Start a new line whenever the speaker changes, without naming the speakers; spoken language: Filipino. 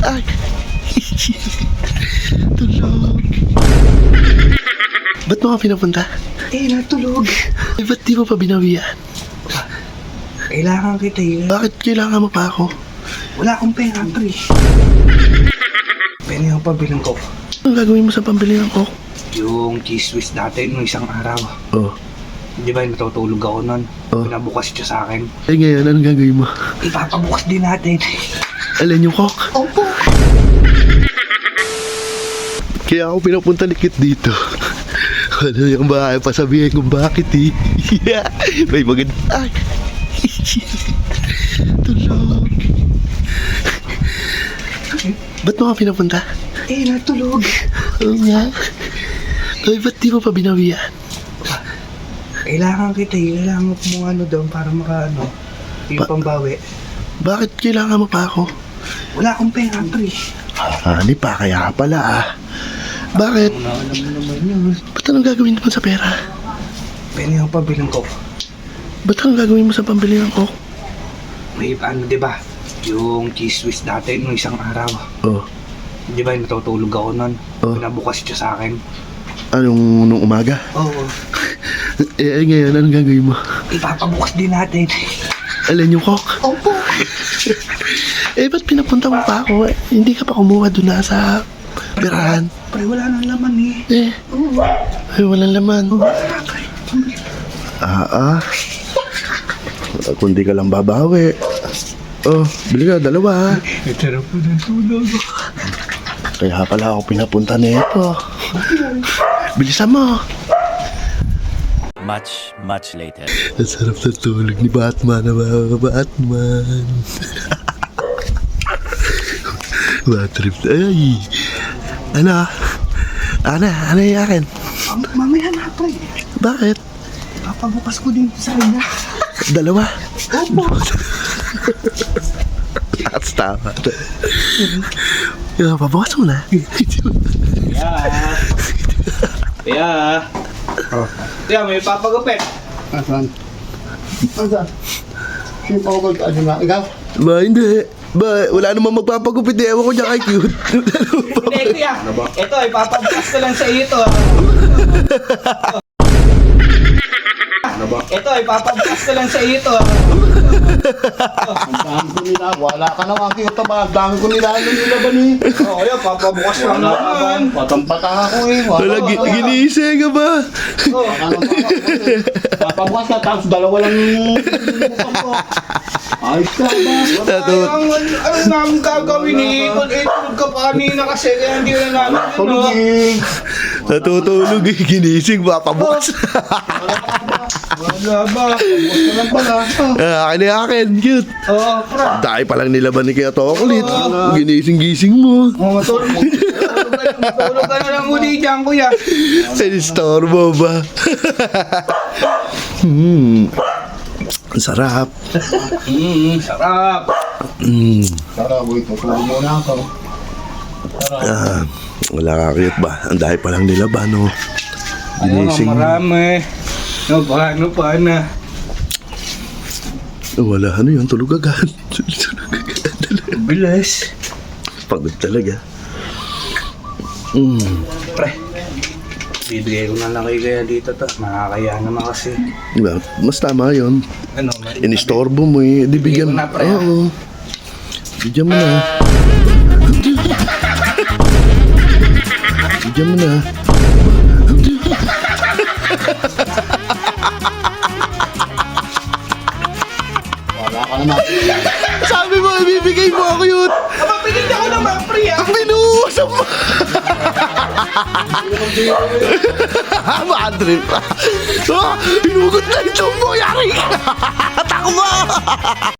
Ay! Tulog! Ba't mo ka pinapunta?
Natulog.
Eh, ba't di mo pa binawian?
Kailangan kita
Bakit kailangan mo pa ako?
Wala akong pera, pre. Pwede yung pabilang ko.
Anong gagawin mo sa pambili ng coke?
Yung cheese whiz dati nung isang araw.
Oh.
Di ba natutulog ako nun?
Oh.
Pinabukas siya sa akin.
Eh ngayon, anong gagawin mo?
Ipapabukas din natin.
Alin yung coke?
Opo.
Kaya ako pinapunta ni Kit dito. Ano yung bahay, pasabihin kung bakit eh. May maganda. Ay! Tulog. Ba't mo ka pinapunta?
Natulog.
Oo nga. Ay, ba't di mo pa binawian?
Kailangan kita Kailangan mo ano doon para makaano. Yung pambawi.
Bakit kailangan mo pa ako?
Wala akong pera, pre.
Hani pa, kaya pala ah. Bakit?
Alam mo naman yun.
Ba't anong gagawin mo sa pera?
Pwede yung pabilang ko.
Ba't anong gagawin mo sa pambili ng coke?
May ano, di ba? Yung cheese whiz dati nung isang araw.
Oh.
Di ba natutulog ako nun?
Oh.
Pinabukas siya sa akin.
Anong nung umaga?
Oo.
Eh ngayon, anong gagawin mo?
Ipapabukas din natin.
Alin yung coke?
Opo.
Eh, ba't pinapunta mo pa ako? Eh, hindi ka pa kumuha doon na sa birahan.
Pre, wala nang laman eh.
Eh, ay, walang laman. Kundi ka lang babawi. Oh, bili ka, dalawa.
Sarap po ng tulog.
Kaya pala ako pinapunta nito. Bilisan mo.
Much later.
Ang sarap na tulog ni Batman na mga Batman. Bad trip. Ay! Ano? Ano yung akin?
Mamaya na, pre.
Bakit?
Papabukas ko din sa kanya.
Dalawa?
Opo.
That's tama. Pabukas mo na.
Kaya, kaya may papagupit.
Asan? Sino pa ako ano na? Ikaw?
Ba, hindi. Ba, wala namang magpapagupit eh. Ewan ko dyan kay cute.
Hindi, kuya. Ito, ipapabukas ko lang sa iyo ito. Ito, ipapabukas ko lang sa iyo ito.
Ang dami ko nila. Wala ka na makikita ba? Ang dami ko nila yung nilaban eh.
Oo, yun, papabukas lang naman.
Patang-patang ako eh.
Wala, ginising ka ba?
Papabukas ka tapos dalawa lang yung ayos ka ba?
Ano namin gagawin eh? Tulog ka pa kanina kasi kaya hindi na namin yun.
Tulog eh.
Natutulog eh. Ginising, papabukas.
Wala ba?
Papabukas ka lang pala.
Akin na akin, cute.
Oo, pra.
Dahil palang nilaban ni Kaya Tokulit. Ginising-gising mo.
Matulog ka na lang uli dyan, kuya.
Sinistorbo ba? Ang sarap.
Sarap.
Tara boy, tutulog muna ako.
Wala ka cute ba? Ang dahil palang nilaban, no? Ginising.
Marami. No, paano pa na?
Wala, ano yun? Tulog agad.
Bilis.
Pagod talaga.
Pre, bibigay ko na lang kayo kaya dito to. Nakakaya naman kasi.
Diba? Mas tama yun.
Ano,
Inistorbo mo eh. Di bigyan.
Bigyan mo na, pre.
Oo. Bigyan mo na. Bigyan mo na.
Wala ka naman.
Sabi mo, ibibigay mo ako yun.
Mapapigil ako naman, pre.
Binuusap mo. Bad trip. Hinugot na ito mo. Yari ka. Takbo.